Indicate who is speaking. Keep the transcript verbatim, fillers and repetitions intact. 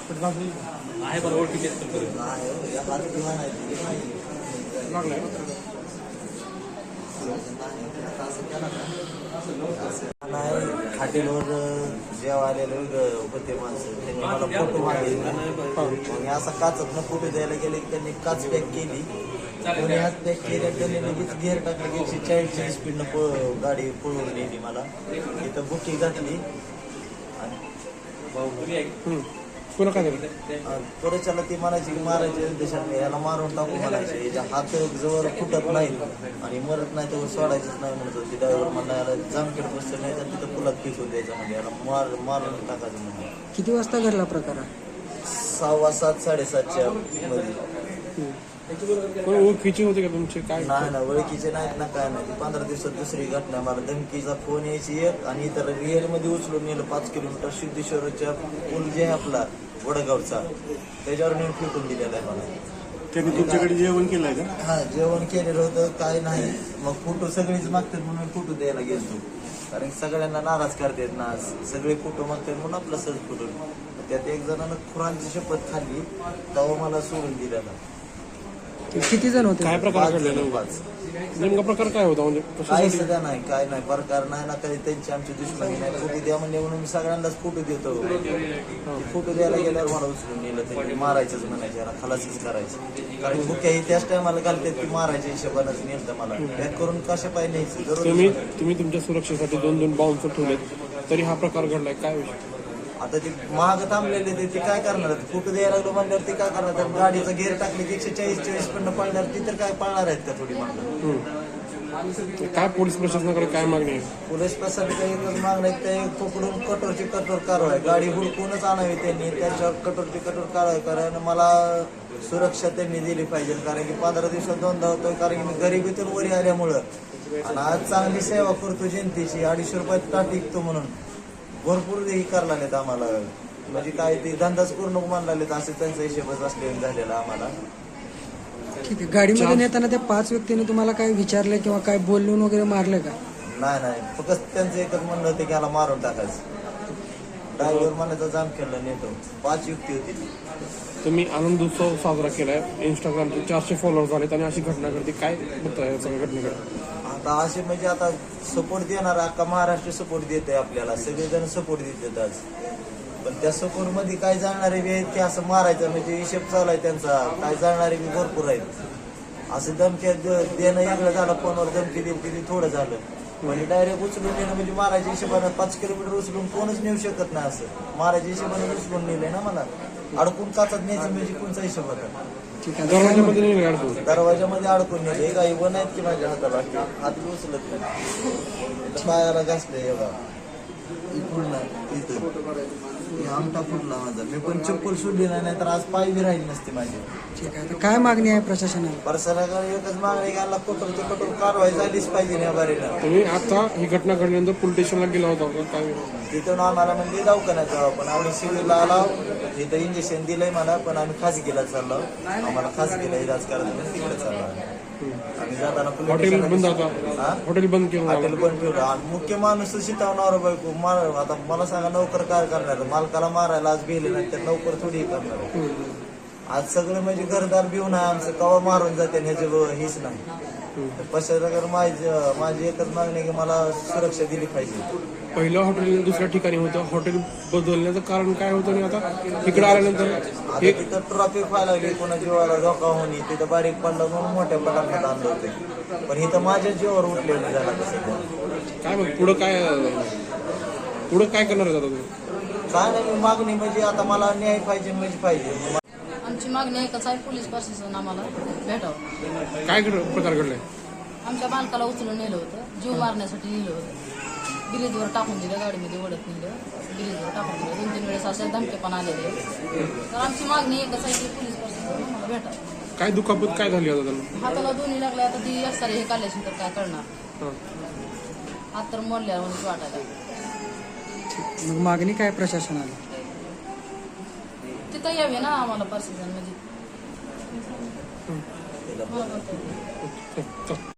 Speaker 1: आहे पण ओळखीचे लागलाय
Speaker 2: नाही हॉटेलवर जेव्हा आलेले होते माणसं त्यांनी मला फोटो मागितले. मग असा काचत फोटो द्यायला गेले की त्यांनी काच पॅक केली. कोणी हात पॅक केल्या त्यांनी लगेच गेअर टाकले की एकशे चाळीसच्या स्पीडनं पळ गाडी पळवून नेली. मला इथं बुकी घातली आणि
Speaker 1: पुन्हा काय झालं
Speaker 2: परच्याला ती म्हणायची की मारायचे देशात याला मारून टाकू म्हणायचे. याच्या हात जवळ फुटत नाही आणि मरत नाही तेव्हा सोडायचंच नाही म्हणत होती. ड्रायव्हर म्हणला याला जामखेड बसतं नाही तर तिथं पुलात फेकून द्यायचं म्हणजे याला मार मारून टाकायचं म्हणजे.
Speaker 3: किती वाजता घडला प्रकार?
Speaker 2: सहावा सात साडेसातच्या मध्ये.
Speaker 1: ओळखीचे होते का तुमचे काय?
Speaker 2: नाही ना ओळखीचे नाहीत ना काय नाही. पंधरा दिवसात दुसरी घटना मला धमकीचा फोन यायची एक आणि इतर रिअल मध्ये उचलून नेलं पाच किलोमीटर सिद्धेश्वरच्या पूल जे आहे आपला वडगावचा त्याच्यावर नेऊन फेकून दिलेला आहे मला.
Speaker 1: त्यांनी तुमच्याकडे जेवण केलंय का?
Speaker 2: हा जेवण केलेलं होतं काय नाही. मग फोटो सगळेच मागतात म्हणून फोटो द्यायला गेलो. कारण सगळ्यांना नाराज करतात ना सगळे फोटो मागतात म्हणून आपला सहज फोटो. त्यात एक जणांना खुरांची शपथ खाल्ली तेव्हा मला सोडून दिलेला.
Speaker 3: किती जण होते?
Speaker 1: काय प्रकार घडलेला? नेमका प्रकार काय होता म्हणजे
Speaker 2: काही सध्या नाही काय नाही प्रकार नाही ना काही. त्यांची आमची दुश्मनी नाही. फोटो द्या म्हणजे म्हणून मी सगळ्यांनाच फोटो देतो. फोटो द्यायला गेल्यावर मला उचलून नेलं. त्यांनी मारायचंच म्हणायचे याला खलासीच करायचं. कारण भुक्या ही त्याच टायमाला घालतात की मारायच्या हिशोबानंच नेलं मला. बॅक करून कशा पाहिजे न्यायचं.
Speaker 1: तुम्ही तुम्ही तुमच्या सुरक्षेसाठी दोन दोन बाउन्सर ठेवलेत तरी हा प्रकार घडलाय काय विषय?
Speaker 2: आता ते महाग थांबलेले ते ते काय करणार? फोटो द्यायला लागलो म्हणल्यावर ते काय करणार? गाडीचं गेअर टाकले की एकशे चाळीस चाळीस पण पळणार ती तर काय पळणार आहेत का थोडी मागं?
Speaker 1: काय पोलीस प्रशासनाकडे काय मागणी आहे?
Speaker 2: पोलीस प्रशासनाकडे एकच मागणं आहे ते पकडून कठोरची कठोर कारवाई. गाडी हुडकूनच आणावी त्यांनी. त्यांच्यावर कठोरची कठोर कारवाई कारण मला सुरक्षा त्यांनी दिली पाहिजे. कारण की पंधरा दिवसात दोनदा होतोय. कारण की मी गरिबीतून वरी आल्यामुळं आणि आज चांगली सेवा करतो जनतेची. अडीचशे रुपयात टाट विकतो म्हणून भरपूर हे करायला नाहीत आम्हाला. म्हणजे काय ते धंदाच करू नको मानला असे त्यांचा हिशोबच असलेला झालेला आम्हाला.
Speaker 3: ठीक आहे. गाडीमध्ये नेताना त्या पाच व्यक्तींनी तुम्हाला काय विचारलं किंवा काय बोलून वगैरे मारलं का?
Speaker 2: नाही नाही फक्त त्यांचं एकच म्हणणं होतं की याला मारून टाकायचं. ड्रायव्हर म्हणायचा जाम केला नेतो. पाच युक्ती होती.
Speaker 1: तुम्ही आनंद उत्सव साजरा केलाय. इंस्टाग्रामचे चारशे फॉलोअर झालेत आणि अशी घटना घडते. काय बघताय सगळ्या घटनेकडे?
Speaker 2: आता असे म्हणजे आता सपोर्ट देणार अख्खा महाराष्ट्र सपोर्ट देत आहे आपल्याला. सगळेजण सपोर्ट देतात आज. पण त्या सपोर्ट मध्ये काय जाणारे बी आहेत की असं मारायचं म्हणजे हिशेब चालू आहे त्यांचा. काय जाणारे बी भरपूर आहेत. असं धमकी देणं वेगळं झालं. फोनवर धमकी दिली किती थोडं झालं. म्हणजे डायरेक्ट उचलून नेलं म्हणजे मारायच्या हिशोबानं पाच किलोमीटर उचलून कोणच नेऊ शकत नाही. असं मारायच्या हिशोबाने उचलून नेलंय ना मला. अडकून काचत न्यायचं म्हणजे कोणचा हिशोब होता? दरवाजामध्ये अडकून नेले. काही वन आहेत की माझ्या हाताला हात बी उचलत नाही. पायाला घासले एवढा पूर्ण इथं आमटा फुटला माझा. मी पण चप्पल सोडली नाही तर आज पाय बी राहिली नसते माझी.
Speaker 3: ठीक आहे. काय मागणी आहे प्रशासनाला?
Speaker 2: प्रशासनाकडे एकच मागणी घालला कठोर ते कठोर कारवाई झालीच पाहिजे या बारीला.
Speaker 1: तुम्ही आता ही घटना घडल्यानंतर पोलीस स्टेशनला गेला होता का काय?
Speaker 2: तिथून आम्हाला म्हणजे दवाखान्यात जावं पण आम्ही सिव्हिलला आलो. तिथं इंजेक्शन दिलंय मला पण आम्ही खासगीला चाललो. आम्हाला खासगीला इलाज करायचं तिकडे चाललो आम्ही जाताना.
Speaker 1: हॉटेल बंद होता. हॉटेल बंद केलं.
Speaker 2: हॉटेल बंद ठेवलं आणि मुख्य माणूस शितावणार बायको मार. आता मला सांगा नोकर काय करणार? मालकाला मारायला आज भेले नाही तर नोकर थोडी करणार. आज सगळं म्हणजे घरदार भिवून आहे आमचं. कवा मारून जाते ह्याचे हेच नाही. प्रशासनाकडे माझी माझी एकच मागणी की मला सुरक्षा दिली पाहिजे.
Speaker 1: पहिलं हॉटेल दुसऱ्या ठिकाणी होतं. हॉटेल बदलण्याचं कारण काय होतं आणि आता इकडे आल्यानंतर
Speaker 2: तिथं ट्रॉफिक व्हायला लागली. कोणा जीवाला धोका होणे. तिथं बारीक पडलं म्हणून मोठ्या पटात आणलं होते. पण इथं माझ्या जीवावर उठलेलं झालं तसं.
Speaker 1: काय मग पुढं काय पुढं काय करणार आहे आता तुम्ही?
Speaker 2: काय नाही मी मागणी म्हणजे आता मला न्याय पाहिजे म्हणजे पाहिजे.
Speaker 4: आमची मागणी एकच आहे पोलीस प्रशासन आम्हाला भेटावं.
Speaker 1: काय प्रकार घडलाय?
Speaker 4: आमच्या बालकाला उचलून नेलं होतं. जीव मारण्यासाठी नेलं होतं. ब्रिजवर टाकून दिलं. गाडीमध्ये ओढत नेलं. ब्रिजवर टाकून दिलं. दोन तीन वेळेस असे धमके पण आलेले. तर आमची मागणी एकच आहे की पोलीस प्रशासन आम्हाला भेटावं.
Speaker 1: काय दुखापत काय झाली आता त्यांना?
Speaker 4: हाताला दोन्ही लागले. आता ती एक्सरे हे काढल्याशी तर काय करणार? हात तर मोडल्यावर म्हणजे वाटायला.
Speaker 3: मग मागणी काय प्रशासनाला?
Speaker 4: तिथं यावे ना आम्हाला प्रशासन म्हणजे.